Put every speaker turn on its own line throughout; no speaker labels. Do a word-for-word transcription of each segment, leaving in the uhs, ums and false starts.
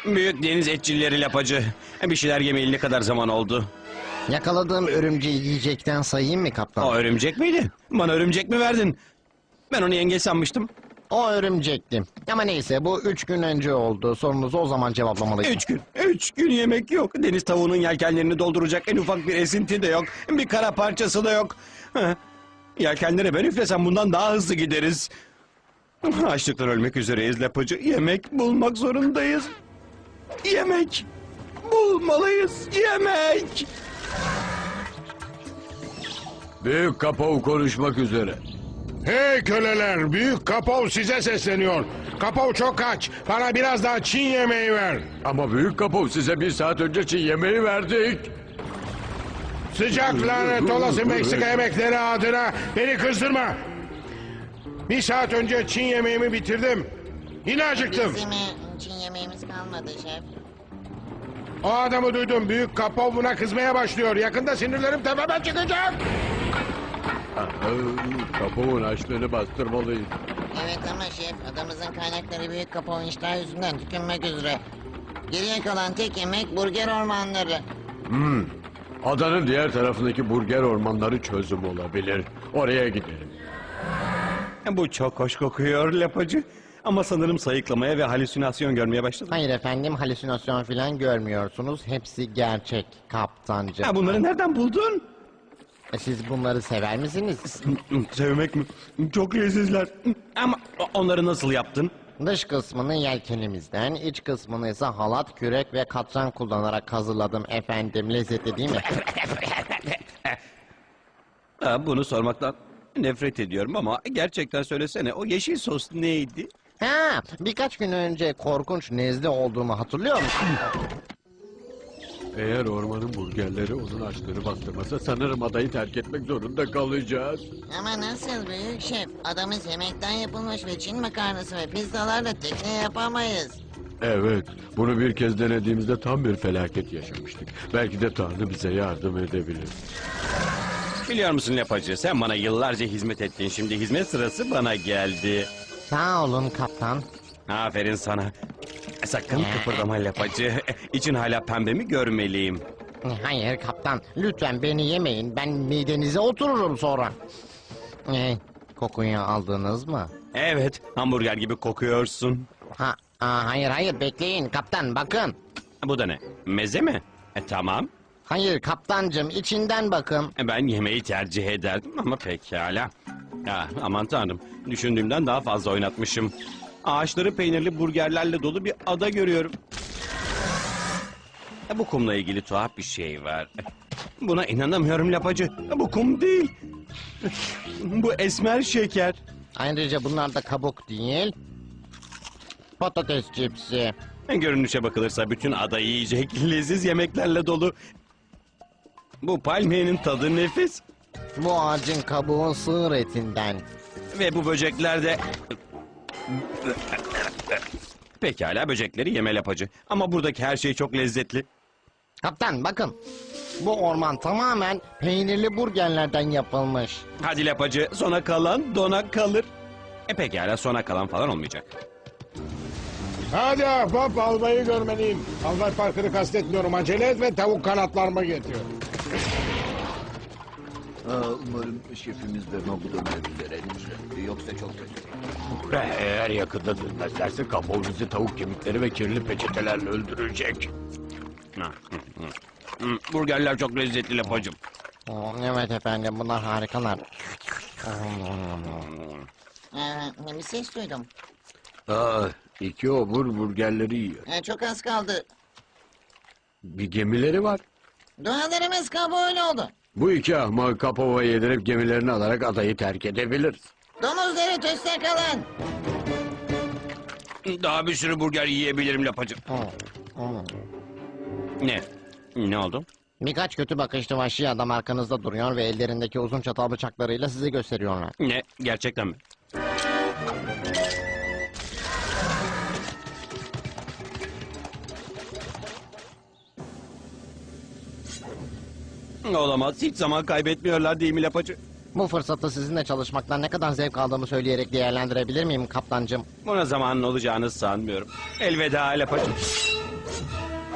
Büyük deniz etçilleri lapacı. Bir şeyler yemeyeli ne kadar zaman oldu?
Yakaladığım örümceği yiyecekten sayayım mı kaptan?
O örümcek miydi? Bana örümcek mi verdin? Ben onu yengeç sanmıştım.
O örümcekti. Ama neyse bu üç gün önce oldu. Sorunuzu o zaman cevaplamalıyım.
Üç gün. Üç gün yemek yok. Deniz tavuğunun yelkenlerini dolduracak en ufak bir esinti de yok. Bir kara parçası da yok. Heh. Yelkenlere ben üflesem bundan daha hızlı gideriz. Açlıktan ölmek üzereyiz lapacı. Yemek bulmak zorundayız. Yemek bulmalıyız. Yemek.
Büyük Kapov konuşmak üzere.
Hey köleler, Büyük Kapov size sesleniyor. Kapov çok aç, bana biraz daha Çin yemeği ver.
Ama Büyük Kapov size bir saat önce Çin yemeği verdik.
Sıcak lanet olası Meksika yemekleri adına beni kızdırma. Bir saat önce Çin yemeğimi bitirdim. Yine acıktım.
Bizim Çin yemeğimiz kalmadı şef.
O adamı duydum, Büyük Kapov buna kızmaya başlıyor. Yakında sinirlerim tepeme çıkacak.
Kapov'un açlığını bastırmalıyız.
Evet ama şef, adamızın kaynakları büyük kapağı iştah yüzünden tükenmek üzere. Geriye kalan tek yemek burger ormanları.
Hmm. Adanın diğer tarafındaki burger ormanları çözüm olabilir. Oraya gidelim.
Bu çok hoş kokuyor lapacı. Ama sanırım sayıklamaya ve halüsinasyon görmeye başladım.
Hayır efendim halüsinasyon falan görmüyorsunuz. Hepsi gerçek kaptancı.
Ha, bunları nereden buldun?
E, Siz bunları sever misiniz?
Sevmek mi? Çok lezzetler. Ama onları nasıl yaptın?
Dış kısmını yelkenimizden, iç kısmını ise halat, kürek ve katran kullanarak hazırladım efendim. Lezzetli değil mi?
Ha, bunu sormaktan nefret ediyorum ama gerçekten söylesene, o yeşil sos neydi?
Ha, birkaç gün önce korkunç nezle olduğumu hatırlıyor musun?
Eğer ormanın burgerleri onun açlığını bastırmasa sanırım adayı terk etmek zorunda kalacağız.
Ama nasıl büyük şef? Adamız yemekten yapılmış ve Çin makarnası ve pizzalarla tekne yapamayız.
Evet, bunu bir kez denediğimizde tam bir felaket yaşamıştık. Belki de Tanrı bize yardım edebilir.
Biliyor musun lapacı, sen bana yıllarca hizmet ettin, şimdi hizmet sırası bana geldi.
Sağ olun kaptan.
Aferin sana. Sakın kıpırdama lapacı. İçin hala pembe mi görmeliyim?
Hayır kaptan, lütfen beni yemeyin. Ben midenize otururum sonra. Ee, kokuyu aldınız mı?
Evet, hamburger gibi kokuyorsun.
Ha, aa, hayır hayır bekleyin kaptan bakın.
Bu da ne? Meze mi? E, tamam.
Hayır kaptancım içinden bakın.
E, Ben yemeği tercih ederdim ama pekala. Ya, aman tanrım, düşündüğümden daha fazla oynatmışım. Ağaçları peynirli burgerlerle dolu bir ada görüyorum. E, Bu kumla ilgili tuhaf bir şey var. Buna inanamıyorum lapacı. E, Bu kum değil. Bu esmer şeker.
Ayrıca bunlar da kabuk değil. Patates cipsi.
E, Görünüşe bakılırsa bütün ada yiyecek leziz yemeklerle dolu. Bu palmiyenin tadı nefis.
Bu ağacın kabuğun sığır etinden.
Ve bu böcekler de... Pekala, böcekleri yeme lapacı. Ama buradaki her şey çok lezzetli.
Kaptan bakın. Bu orman tamamen peynirli burgerlerden yapılmış.
Hadi lapacı, sona kalan dona kalır. E pekala, sona kalan falan olmayacak.
Hadi ahbap, albayı görmeliyim. Albay Parker'ı kastetmiyorum, acele et ve tavuk kanatlarımı getir.
Aa, umarım şefimiz de bu dönebilir henüz. Yoksa çok kötü.
Eğer yakında dönmezlerse Kapov bizi tavuk kemikleri ve kirli peçetelerle öldürecek.
Ha, hı, hı. Hı, Burgerler çok lezzetli lapacım.
Oo, evet efendim bunlar harikalar.
Ee, bir ses duydum.
Aa, iki obur burgerleri yiyor.
Ee, çok az kaldı.
Bir gemileri var.
Dualarımız kabul oldu.
Bu iki ahmak Kapov'a yedirip gemilerini alarak adayı terk edebiliriz.
Domuzları tüste kalın.
Daha bir sürü burger yiyebilirim lapacım. Ne? Ne oldu?
Birkaç kötü bakışlı vahşi adam arkanızda duruyor ve ellerindeki uzun çatal bıçaklarıyla sizi gösteriyorlar.
Ne? Gerçekten mi? Olamaz. Hiç zaman kaybetmiyorlar değil mi lapacı?
Bu fırsatı sizinle çalışmaktan ne kadar zevk aldığımı söyleyerek değerlendirebilir miyim kaptancım?
Buna zamanın olacağını sanmıyorum. Elveda lapacı.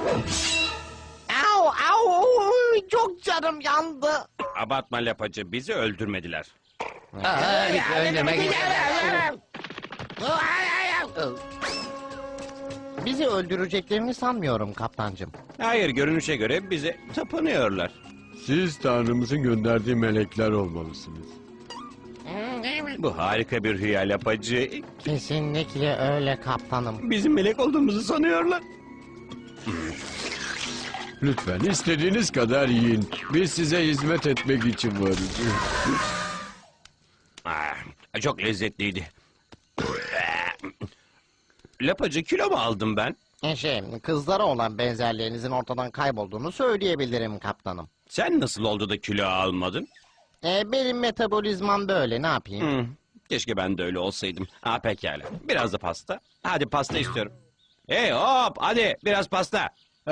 Au au çok canım yandı.
Abartma lapacı, bizi öldürmediler.
Bizi öldüreceklerini sanmıyorum kaptancım.
Hayır, görünüşe göre bize tapınıyorlar.
Siz Tanrımızın gönderdiği melekler olmalısınız.
Bu harika bir rüya lapacı.
Kesinlikle öyle kaptanım.
Bizim melek olduğumuzu sanıyorlar.
Lütfen istediğiniz kadar yiyin. Biz size hizmet etmek için varız.
Ah, çok lezzetliydi. Lapacı, kilo mu aldım ben?
E Şey, kızlara olan benzerliğinizin ortadan kaybolduğunu söyleyebilirim kaptanım.
Sen nasıl oldu da kilo almadın?
E, benim metabolizmam böyle, ne yapayım?
Hmm, keşke ben de öyle olsaydım. Ha pekala. Biraz da pasta. Hadi pasta istiyorum. Hey hop, hadi biraz pasta.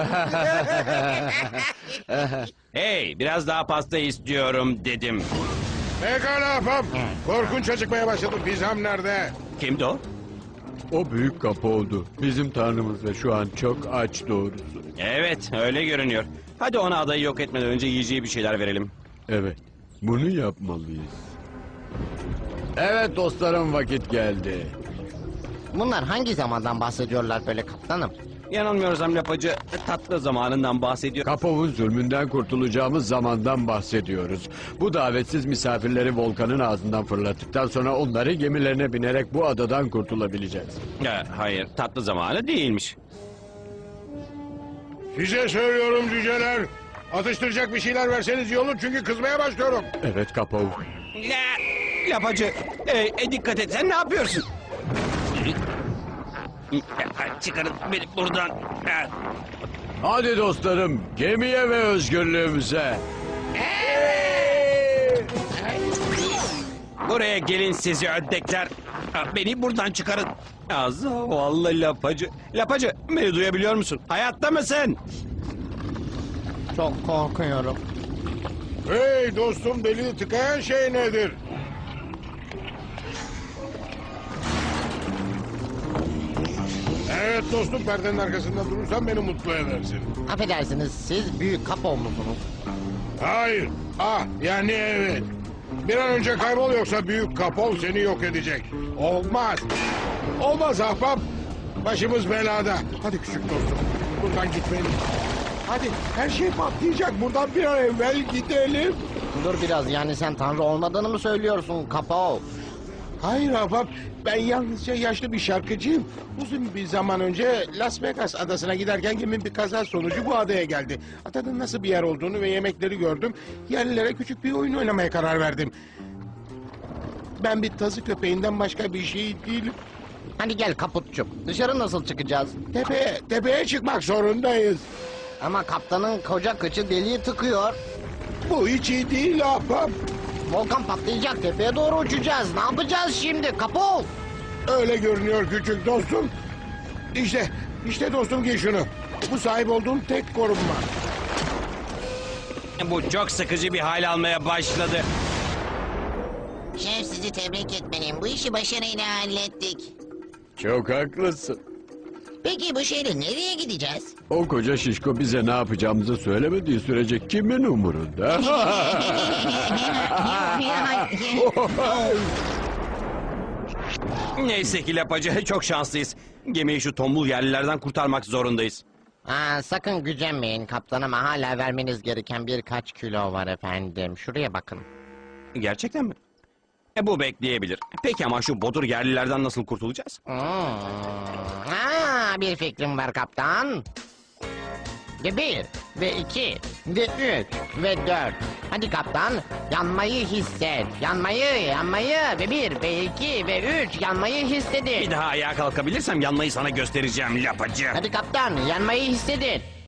Hey, biraz daha pasta istiyorum dedim.
Pekala ahbap. Korkunç acıkmaya başladım. Pizzam nerede?
Kimdi o?
O büyük kapı oldu. Bizim Tanrımız ve şu an çok aç doğrusu.
Evet, öyle görünüyor. Hadi ona adayı yok etmeden önce yiyeceği bir şeyler verelim.
Evet, bunu yapmalıyız. Evet dostlarım, vakit geldi.
Bunlar hangi zamandan bahsediyorlar böyle kaptanım?
Yanılmıyorsam lapacı tatlı zamanından bahsediyor.
Kapov'un zulmünden kurtulacağımız zamandan bahsediyoruz. Bu davetsiz misafirleri volkanın ağzından fırlattıktan sonra onları gemilerine binerek bu adadan kurtulabileceğiz.
Ha, hayır, tatlı zamanı değilmiş.
Size söylüyorum cüceler. Atıştıracak bir şeyler verseniz iyi olur çünkü kızmaya başlıyorum.
Evet Kapov.
La, lapacı, e, e, dikkat et, sen ne yapıyorsun? Çıkarın beni buradan.
Hadi dostlarım, gemiye ve özgürlüğümüze.
Buraya gelin sizi ördekler. Beni buradan çıkarın. Az vallahi lapacı. Lapacı, beni duyabiliyor musun? Hayatta mısın?
Çok korkuyorum.
Hey dostum, deliği tıkayan şey nedir? Evet dostum, perdenin arkasında durursan beni mutlu edersin.
Affedersiniz, siz büyük kapov musunuz?
Hayır. Ah yani evet. Bir an önce kaybol yoksa büyük kapol seni yok edecek. Olmaz. Olmaz ahbap. Başımız belada. Hadi küçük dostum. Buradan gitmeliyiz. Hadi her şey patlayacak. Buradan bir an evvel gidelim.
Dur biraz, yani sen tanrı olmadığını mı söylüyorsun kapov?
Hayır ahbap. Ben yalnızca yaşlı bir şarkıcıyım. Uzun bir zaman önce Las Vegas adasına giderken gemim bir kaza sonucu bu adaya geldi. Adanın nasıl bir yer olduğunu ve yemekleri gördüm. Yerlilere küçük bir oyun oynamaya karar verdim. Ben bir tazı köpeğinden başka bir şey değilim.
Hadi gel kaputçum, dışarı nasıl çıkacağız?
Tepeye, tepeye çıkmak zorundayız.
Ama kaptanın koca kıçı deliği tıkıyor.
Bu hiç iyi değil ahbap.
Volkan patlayacak, tepeye doğru uçacağız. Ne yapacağız şimdi kapov?
Öyle görünüyor küçük dostum. İşte, işte dostum giy şunu. Bu sahip olduğum tek korunma.
Bu çok sıkıcı bir hal almaya başladı.
Şef, sizi tebrik etmeliyim. Bu işi başarıyla hallettik.
Çok haklısın.
Peki bu şeyle nereye gideceğiz?
O koca şişko bize ne yapacağımızı söylemediği sürece kimin umurunda?
Neyse ki lapacı, çok şanslıyız. Gemiyi şu tombul yerlilerden kurtarmak zorundayız.
Aa, sakın gücenmeyin kaptanıma, hala vermeniz gereken birkaç kilo var efendim. Şuraya bakın.
Gerçekten mi? E, bu bekleyebilir. Peki ama şu bodur yerlilerden nasıl kurtulacağız?
Hmm. Aa, bir fikrim var kaptan. Ve bir, ve iki, ve üç, ve dört. Hadi kaptan, yanmayı hisset. Yanmayı, yanmayı. Ve bir, ve iki, ve üç, yanmayı
Bir
hissedin.
daha ayağa kalkabilirsem yanmayı sana göstereceğim lapacı.
Hadi kaptan, yanmayı hissedin.